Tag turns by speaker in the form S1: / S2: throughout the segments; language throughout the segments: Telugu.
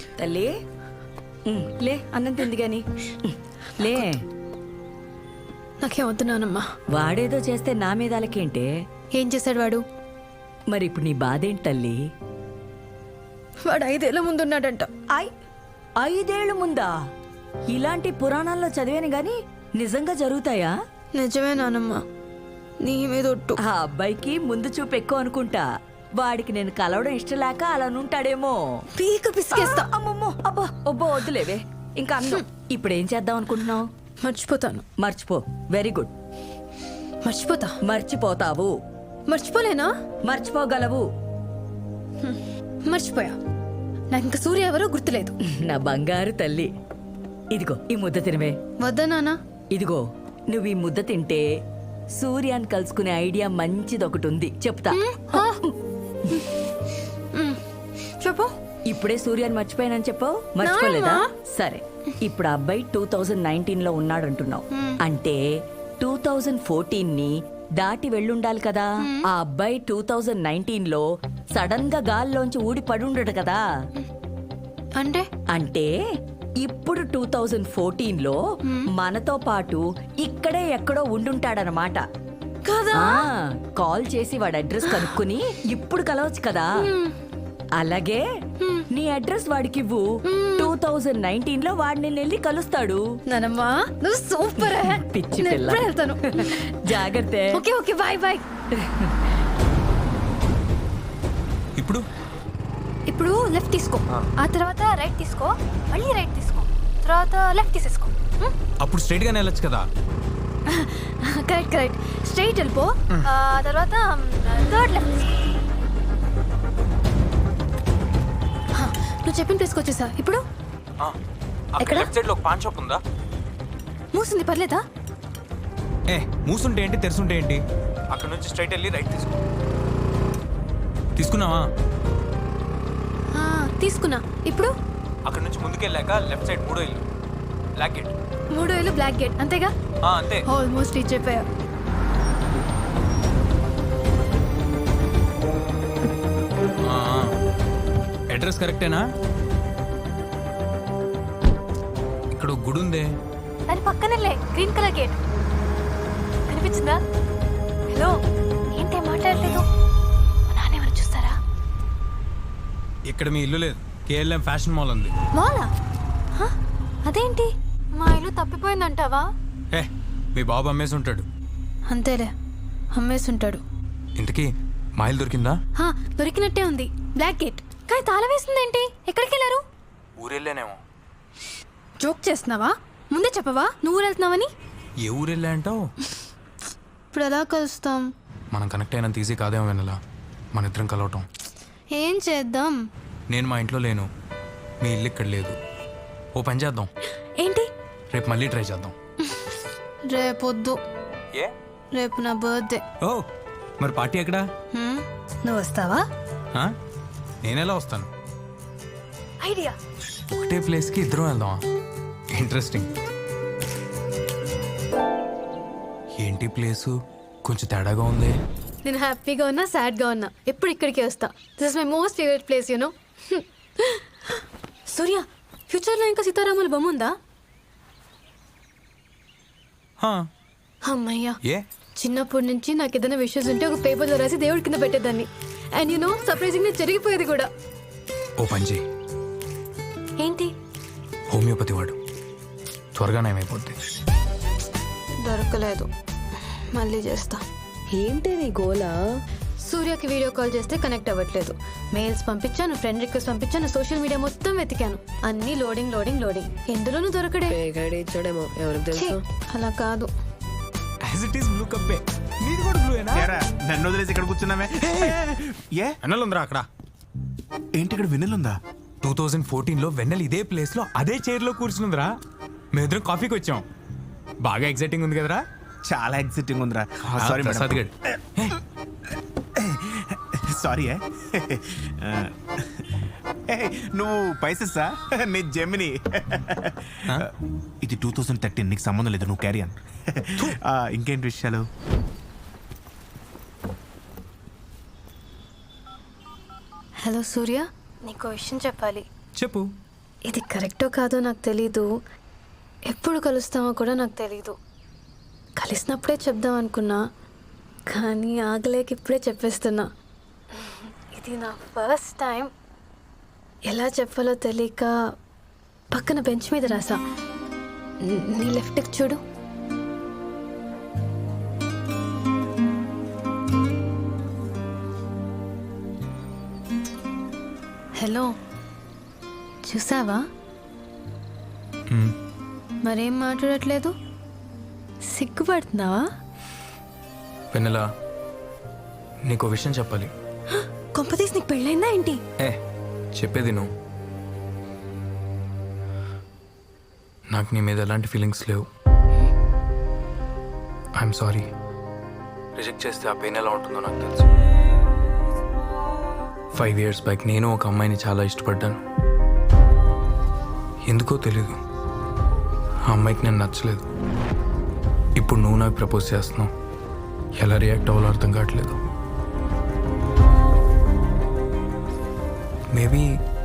S1: తల్లి లే అన్నం తింది గాని లే.
S2: నాకేం వద్దు నానమ్మా.
S1: వాడేదో చేస్తే నా మీద అలకేంటే?
S2: ఏం చేశాడు వాడు?
S1: మరి ఇప్పుడు నీ బాధ ఏంటి తల్లి?
S2: వాడు 5 ఏళ్ల ముందున్నాడంట.
S1: 5 ఏళ్ల ముందా? ఇలాంటి పురాణాల్లో చదివాను గాని నిజంగా జరుగుతాయా?
S2: నిజమే నానమ్మా, నీ మీద ఒట్టు.
S1: ఆ అబ్బాయికి ముందు చూపు ఎక్కువ అనుకుంటా. వాడికి నేను కలవడం ఇష్టం లేక అలా నుంటాడేమో.
S2: పీక పిసికేస్తా.
S1: అమ్మమ్మో అబ్బా ఒబ్బో వద్దులేవే ఇంకా అన్నం. ఇప్పుడు ఏం చేద్దాం అనుకుంటున్నావు?
S2: మర్చిపోతాను.
S1: మర్చిపో. Very good.
S2: మర్చిపోతా.
S1: మర్చిపోతావు.
S2: మర్చిపోలేనా?
S1: మర్చిపోగలవు.
S2: మర్చిపోయా. నాకు ఇంకా సూర్య ఎవరో గుర్తులేదు.
S1: నా బంగారు తల్లి, ఇదిగో ఈ ముద్ద తినవే.
S2: వద్దా నాన్న?
S1: ఇదిగో నువ్వు ఈ ముద్ద తింటే సూర్యాన్ని కలుసుకునే ఐడియా మంచిది ఒకటి ఉంది, చెప్తా.
S2: చెప్పు.
S1: ఇప్పుడే సూర్యాన్ని మర్చిపోయానని చెప్పావు, మర్చిపోలేదా? సరే, ఇప్పుడు ఆ అబ్బాయి 2019 లో ఉన్నాడంటున్నావు అంటే 2014 ని దాటి వెళ్ళుండాలి కదా. ఆ అబ్బాయి 2019 లో సడన్ గా గాల్లోంచి ఊడి పడుండడు కదా.
S2: అంటే
S1: అంటే ఇప్పుడు 2014 లో మనతో పాటు ఇక్కడే ఎక్కడో ఉండుంటాడనమాట.
S2: కదా.
S1: కాల్ చేసి వాడి అడ్రస్ కనుక్కుని ఇప్పుడు కలవచ్చు కదా. అలాగే నీ అడ్రస్ వాడికి ఇవ్వు. 2019 లో వాడిని వెళ్ళి కలుస్తాడు.
S2: నానమ్మా నువ్వు సూపర్.
S1: పిచ్చి పిల్ల.
S2: వెళ్తాను.
S1: జాగ్రత్త.
S2: Okay okay bye bye. ఇప్పుడు లెఫ్ట్ తీసుకో, ఆ తర్వాత రైట్ తీసుకో, మళ్ళీ రైట్ తీసుకో, తర్వాత లెఫ్ట్ తీసేసుకో.
S3: అప్పుడు స్ట్రైట్ గానే వెళ్ళొచ్చు కదా.
S2: Correct correct. స్ట్రైట్ వెళ్ళిపో, తర్వాత థర్డ్ లెఫ్ట్ తీసుకో. నువ్వు చెప్పిన ప్లేస్కి వచ్చేసా. ఇప్పుడు
S3: ఎక్కడ? లెఫ్ట్ సైడ్ లో పాన్ షాప్ ఉందా?
S2: మూసింది, పర్లేదా?
S3: మూసుంటే ఏంటి, తెరుసుంటే ఏంటి? అక్కడ నుంచి స్ట్రైట్ వెళ్ళి రైట్ తీసుకో. తీసుకున్నావా?
S2: తీసుకున్నా. ఇప్పుడు
S3: అక్కడ నుంచి ముందుకెళ్ళాక లెఫ్ట్ సైడ్ 3వ ఇల్లు, బ్లాక్ గేట్.
S2: 3వ ఇల్లు, బ్లాక్ గేట్, అంతేగా?
S3: అంతే.
S2: ఆల్మోస్ట్ రీచ్ అయిపోయా.
S3: అడ్రస్ కరెక్టేనా? ఇక్కడ గుడి ఉందే,
S2: దాని పక్కనలే గ్రీన్ కలర్ గేట్ కనిపించిందా? హలో, ఏంటి మాట్లాడలేదు? నానేమని చూస్తారా?
S3: ఇక్కడ మీ ఇల్లు లేదు. కేఎల్ఎం ఫ్యాషన్ మాల్ ఉంది.
S2: మాలా? అదేంటి, మా ఇల్లు తప్పిపోయిందంటావా?
S3: మీ బాబు అమ్మేసి ఉంటాడు.
S2: అంతేలే, అమ్మేసి ఉంటాడు.
S3: ఇంతకీ మా ఇల్లు దొరికిందా?
S2: దొరికినట్టే ఉంది, బ్లాక్ గేట్. కానీ తాళం వేసిందేంటి? ఎక్కడికి వెళ్ళారు?
S3: ఊరెళ్ళానేమో.
S2: జోక్ చేస్తున్నావా? ముందే చెప్పవా నువ్వు వెళ్తున్నావని?
S3: ఏ ఊరెళ్ళా అంటావు?
S2: ఇప్పుడు ఎలా కలుస్తాం?
S3: మనం కనెక్ట్ అయినంత ఈజీ కాదేమో వెనలా మన ఇద్దరం కలవటం.
S2: ఏం చేద్దాం?
S3: నేను మా ఇంట్లో లేను, మీ ఇల్లు ఇక్కడ లేదు. ఓ పని చేద్దాం.
S2: ఏంటి?
S3: రేపు మళ్ళీ ట్రై చేద్దాం.
S2: రేపొద్దు.
S3: ఏ?
S2: రేపు నా బర్త్డే.
S3: ఓ మరి పార్టీ ఎక్కడా?
S2: నువ్వు వస్తావా?
S3: నేనెలా వస్తాను?
S2: ఐడియా.
S3: ఒకటే ప్లేస్కి ఇద్దరం వెళ్దామా? ఇంట్రెస్టింగ్. ఏంటి ప్లేసు కొంచెం తేడాగా ఉంది.
S2: నేను హ్యాపీగా ఉన్నా, సాడ్గా ఉన్నా, ఎప్పుడు ఇక్కడికే వస్తా. This is my most favourite place, you know. Surya, ఫ్యూచర్లో ఇంకా సీతారాముల బొమ్మ ఉందా? అమ్మయ్యా.
S3: ఏ?
S2: చిన్నప్పటి నుంచి నాకు ఏదైనా విషయస్ ఉంటే ఒక పేపర్లో రాసి దేవుడి కింద పెట్టేదాన్ని. అండ్ యు నో, సర్ప్రైజింగ్గా జరిగిపోయేది కూడా.
S3: ఓ పని చేయి.
S2: ఏంటి?
S3: హోమియోపతి వాడు, త్వరగా నయమైపోద్ది.
S2: దొరకలేదు, మళ్ళీ చేస్తా.
S1: ఏంటి నీ గోలా?
S2: సూర్యకి వీడియో కాల్ చేస్తే కనెక్ట్ అవ్వట్లేదు. మెయిల్స్ పంపించాను, ఫ్రెండ్ రిక్వెస్ట్ పంపించాను, సోషల్ మీడియా మొత్తం వెతికాను. అన్ని లోడింగ్ లోడింగ్ లోడింగ్. ఎందులోనూ దొరకడే. అలా కాదు.
S4: నన్ను వదిలేసి ఇక్కడ కూర్చున్నామే.
S3: వెన్నెలుందిరా అక్కడ.
S4: ఏంటి ఇక్కడ వెన్నెలుందా?
S3: 2014 లో వెన్నెల ఇదే ప్లేస్ లో అదే చైర్ లో కూర్చుందిరా. మేమిద్దరం కాఫీకి వచ్చాం. బాగా ఎక్సైటింగ్ ఉంది కదరా?
S4: చాలా ఎక్సైటింగ్ ఉందిరా.
S3: సారీ ప్రసాద్ గడ్.
S4: సారీ. నువ్వు పైసెస్సా? నీ జెమిని. ఇది 2013, నీకు సంబంధం లేదు, నువ్వు క్యారీ ఆన్. ఇంకేంటి విషయాలు?
S2: హలో సూర్య, నీకు విషయం చెప్పాలి.
S3: చెప్పు.
S2: ఇది కరెక్టో కాదో నాకు తెలీదు, ఎప్పుడు కలుస్తామో కూడా నాకు తెలీదు. కలిసినప్పుడే చెప్దాం అనుకున్నా, కానీ ఆగలేక ఇప్పుడే చెప్పేస్తున్నా. ఇది నా ఫస్ట్ టైం. ఎలా చెప్పాలో తెలియక పక్కన బెంచ్ మీద రాసా. నీ లెఫ్ట్కి చూడు. హలో, చూసావా? మరేం మాట్లాడట్లేదు? సిగ్గుపడుతున్నావా?
S3: వెన్నెలా, నీకు విషయం చెప్పాలి.
S2: కొంపతీసి నీకు పెళ్ళైందా ఏంటి?
S3: చెప్పేది నువ్వు. నాకు నీ మీద ఎలాంటి ఫీలింగ్స్ లేవు. I'm sorry. రిజెక్ట్ చేస్తే ఆ పెయిన్ ఎలా ఉంటుందో నాకు తెలుసు. 5 years బ్యాక్ నేను ఒక అమ్మాయిని చాలా ఇష్టపడ్డాను. ఎందుకో తెలీదు, ఆ అమ్మాయికి నేను నచ్చలేదు. ఇప్పుడు నువ్వు నాకు ప్రపోజ్ చేస్తున్నావు. ఎలా రియాక్ట్ అవ్వాలో అర్థం కావట్లేదు. మేబీ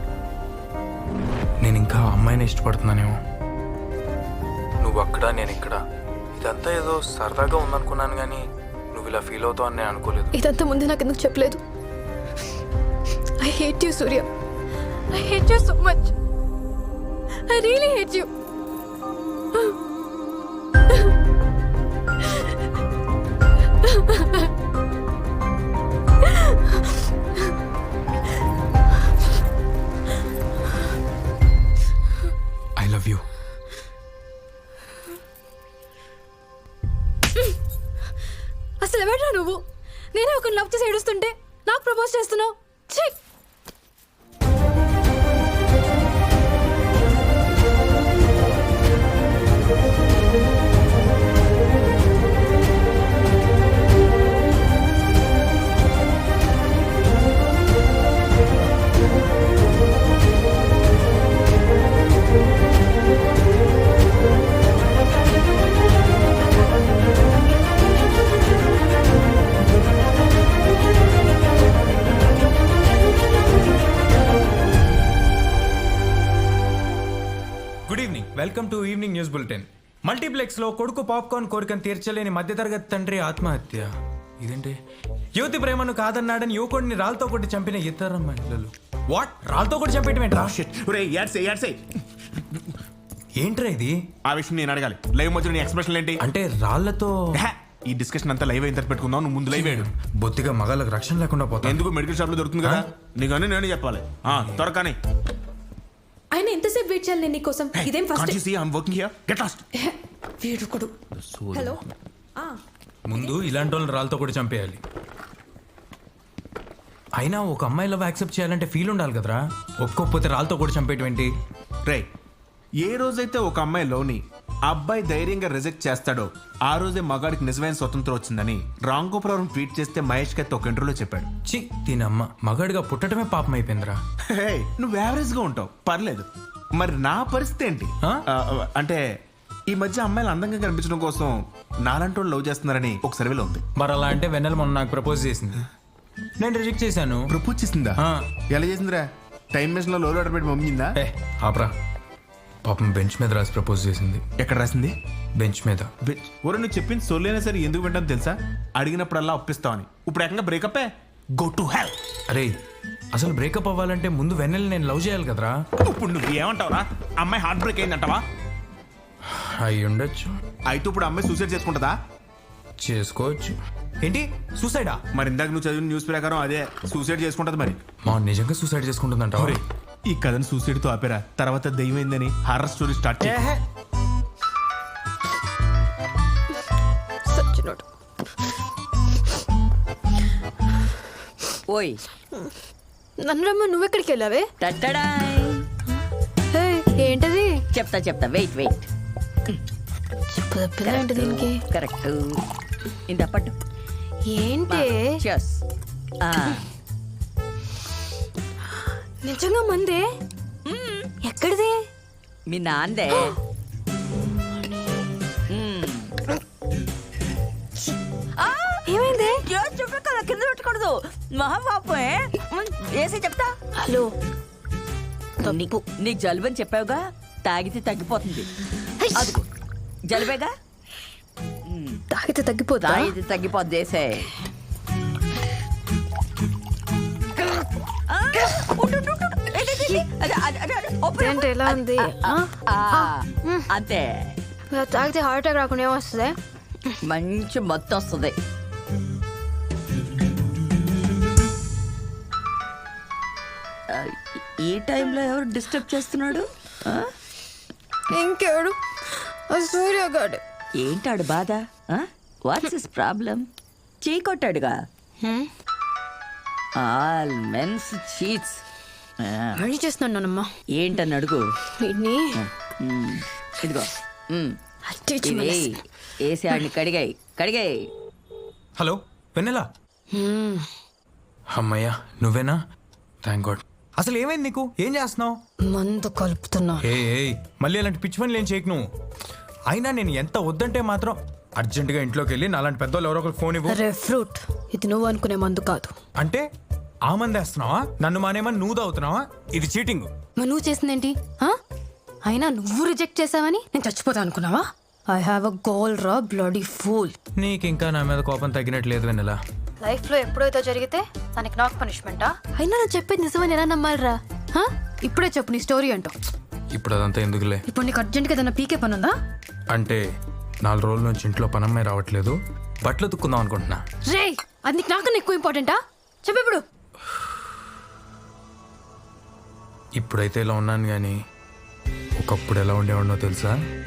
S3: నేను ఇంకా ఆ అమ్మాయిని ఇష్టపడుతున్నానేమో. నువ్వు అక్కడ, నేను ఇక్కడ. ఇదంతా ఏదో సరదాగా ఉందనుకున్నాను, కానీ నువ్వు ఇలా ఫీల్ అవుతావు అని నేను అనుకోలేదు.
S2: ఇదంతా ముందే నాకు ఎందుకు చెప్పలేదు? I hate you Surya. I hate you so much. I really hate you.
S3: I love you.
S2: అసలు ఎవడ్రా నువ్వు? నేనే ఒక లవ్ చేసి ఏడుస్తుంటే నాకు ప్రపోజ్ చేస్తున్నావు. ఛీ!
S3: Good evening. Welcome to evening news bulletin. మల్టీప్లెక్స్లో కొడుకు పాప్కార్న్ కోరికను తీర్చలేని మధ్యతరగతి తండ్రి ఆత్మహత్య. ఇదేంటి? యువతి ప్రేమను కాదన్నాడని యువకుడిని రాళ్ళతో కొట్టి చంపిన ఇతర మహిళలు. వాట్? రాళ్ళతో కొట్టి చంపేయటం ఏంట్రా? ఏంట్రా ఇది?
S4: ఆ విషయం నేను అడగాలి. లైవ్ మధ్యలో నీ ఎక్స్ప్రెషన్ ఏంటి?
S3: అంటే రాళ్లతో
S4: ఈ డిస్కషన్ అంతా లైవ్ అయిన తర్వాత పెట్టుకుందాం. నువ్వు ముందు లైవ్ వేయడు.
S3: బొత్తిగా మగాళ్ళకి రక్షణ లేకుండా పోతా.
S4: ఎందుకు? మెడికల్ షాప్ లో దొరుకుతుంది కదా. నీకు అన్నీ నేను చెప్పాలి. త్వరగానే.
S5: ఆయన ఎంతసేపు వెయిట్ చేయాలి నేను నీకోసం? ఇదేం ఫస్ట్ వీడుకుడు. హలో,
S3: ముందు ఇలాంటి వాళ్ళని రాళ్ళతో కూడా చంపేయాలి. అయినా ఒక అమ్మాయి లవ్ యాక్సెప్ట్ చేయాలంటే ఫీల్ ఉండాలి కదరా. ఒక్కొక్కపోతే రాళ్ళతో కూడా చంపేటువంటి.
S4: రే, ఏ రోజైతే ఒక అమ్మాయి లోని అబ్బాయి ధైర్యంగా రిజెక్ట్ చేస్తాడో ఆ రోజే మగాడికి నిజమైన స్వతంత్రం వచ్చిందని రాంగోపురం ట్వీట్ చేస్తే మహేష్ కత్తి ఒక ఇంటర్వ్యూలో చెప్పాడు.
S3: చి దీనమ్మ, మగాడిగా పుట్టడమే పాపం అయిపోయిందిరా.
S4: నువ్వు యావరేజ్ గా ఉంటావు, పర్లేదు. మరి నా పరిస్థితి ఏంటి? అంటే ఈ మధ్య అమ్మాయిలు అందంగా కనిపించడం కోసం నాలాంటి వాళ్ళు లవ్ చేస్తున్నారని ఒక సర్వేలో ఉంది.
S3: మరి అలా అంటే వెన్నెల మొన్న నాకు ప్రపోజ్ చేసింది, నేను రిజెక్ట్ చేశాను.
S4: ప్రపోజ్ చేసిందా? ఎలా చేసిందిరా? టైం మెషిన్ లో లోడ్ ఆర్డర్ పెట్టి పంపించిందా?
S3: ఆపరా, పాపం బెంచ్ మీద రాసి ప్రపోజ్ చేసింది.
S4: ఎక్కడ రాసింది?
S3: బెంచ్ మీద.
S4: ఒరే, నువ్వు చెప్పింది సొల్లైనా సరే ఎందుకు వింటాను తెలుసా? అడిగినప్పుడల్లా ఒప్పిస్తావని. ఇప్పుడు ఏకంగా బ్రేకప్. Go to hell.
S3: అరే, అసలు బ్రేకప్ అవ్వాలంటే ముందు వెన్నెల నేను లవ్ చేయాలి కదరా.
S4: ఇప్పుడు నువ్వు ఏమంటావురా? అమ్మాయి హార్ట్ బ్రేక్ అయిందంటావా?
S3: అయి ఉండొచ్చు.
S4: అయితే ఇప్పుడు అమ్మాయి సూసైడ్ చేసుకుంటుందా?
S3: చేసుకోవచ్చు. ఏంటి సూసైడా?
S4: మరి ఇందాక నువ్వు చదివిన న్యూస్ ప్రకారం అదే సూసైడ్ చేసుకుంటది. మరి
S3: మా నిజంగా సూసైడ్ చేసుకుంటుందంట.
S4: ఈ కథను సూసైడ్ తో ఆపేరా, తర్వాత దయ్యమైందని హారర్ స్టోరీ స్టార్ట్ చేయ.
S1: ఓయ్
S2: నన్ను రమ్మ, నువ్వెక్కడికి వెళ్ళావే?
S1: టట్టడాయ్.
S2: హే, ఏంటది?
S1: చెప్తా వెయిట్
S2: ఏంటి దీనికి?
S1: కరెక్ట్. ఇంత పట్టు.
S2: ఏంటి?
S1: Cheers.
S2: నిజంగా మందే? ఎక్కడిది?
S1: మీ నాందే.
S2: ఏమైంది?
S1: కింద పెట్టకూడదు, మహాపాపే. వేసి చెప్తా.
S2: హలో,
S1: నీకు జలుబు అని చెప్పావుగా, తాగితే తగ్గిపోతుంది. అదిగో జలుబేగా,
S2: తాగితే తగ్గిపోతా.
S1: తాగితే తగ్గిపోద్ది. వేసే
S2: ఏంటి ఎలా ఉంది?
S1: అంతే,
S2: తాగితే హార్ట్ అటాక్ రాకుండా ఏమొస్తుంది?
S1: మంచి మత్తు వస్తుంది. ఈ టైంలో ఎవరు డిస్టర్బ్ చేస్తున్నాడు?
S2: ఇంకెవడు? సూర్యగాడు.
S1: ఏంటాడు బాధ? What's his problem? చీ కొట్టాడుగా. All men's cheats.
S2: మళ్ళీ చేస్తున్నాను నానమ్మా.
S1: ఏంటని అడుగు.
S2: వీడిని
S1: ఇదిగో
S2: అట్టించి
S1: ఇది వేసి ఆడిని కడిగాయి.
S3: హలో వెన్నెలా? అమ్మయ్యా నువ్వేనా? Thank God. అసలు ఏమైంది నీకు? ఏం చేస్తున్నావు?
S2: మందు కలుపుతున్నా.
S3: ఏయ్ మళ్ళీ అలాంటి పిచ్చి పనులు ఏం చేయకు నువ్వు. అయినా నేను ఎంత వద్దంటే మాత్రం అర్జెంటుగా ఇంట్లోకి వెళ్ళి నాలాంటి పెద్దోళ్ళు ఎవరో ఒకరికి ఫోన్ ఇవ్వు.
S2: అరే ఫ్రూట్, ఇది నువ్వు అనుకునే మందు కాదు.
S3: అంటే ఆ మంది వేస్తున్నావా? నన్ను మానేమని నువ్వు తాగుతున్నావా? ఇది చీటింగ్.
S2: మరి నువ్వు చేసిందేంటి? అయినా నువ్వు రిజెక్ట్ చేసావని నేను చచ్చిపోతా అనుకున్నావా? ఐ హ్యావ్ అ గోల్ రా బ్లడీ ఫూల్.
S3: నీకు ఇంకా నా మీద కోపం తగ్గినట్లేదు వెన్నెలా.
S2: లైఫ్ లో ఎప్పుడైతే జరిగితే దానికి నాకు పనిష్మెంటా? అయినా నేను చెప్పేది నిజమని ఎలా నమ్మాలిరా? ఇప్పుడే చెప్పు నీ స్టోరీ అంటావు.
S3: ఇప్పుడు అదంతా ఎందుకులే.
S2: ఇప్పుడు నీకు అర్జెంట్గా ఏదైనా పీకే పని ఉందా?
S3: అంటే 4 రోజుల నుంచి ఇంట్లో పనమ్మాయి రావట్లేదు, బట్టలు తుక్కుందాం అనుకుంటున్నా.
S2: రే, అది నీకు నాకన్నా ఎక్కువ ఇంపార్టెంటా? చెప్పు ఇప్పుడు.
S3: ఇప్పుడైతే ఇలా ఉన్నాను కానీ ఒకప్పుడు ఎలా ఉండేవాడినో తెలుసా?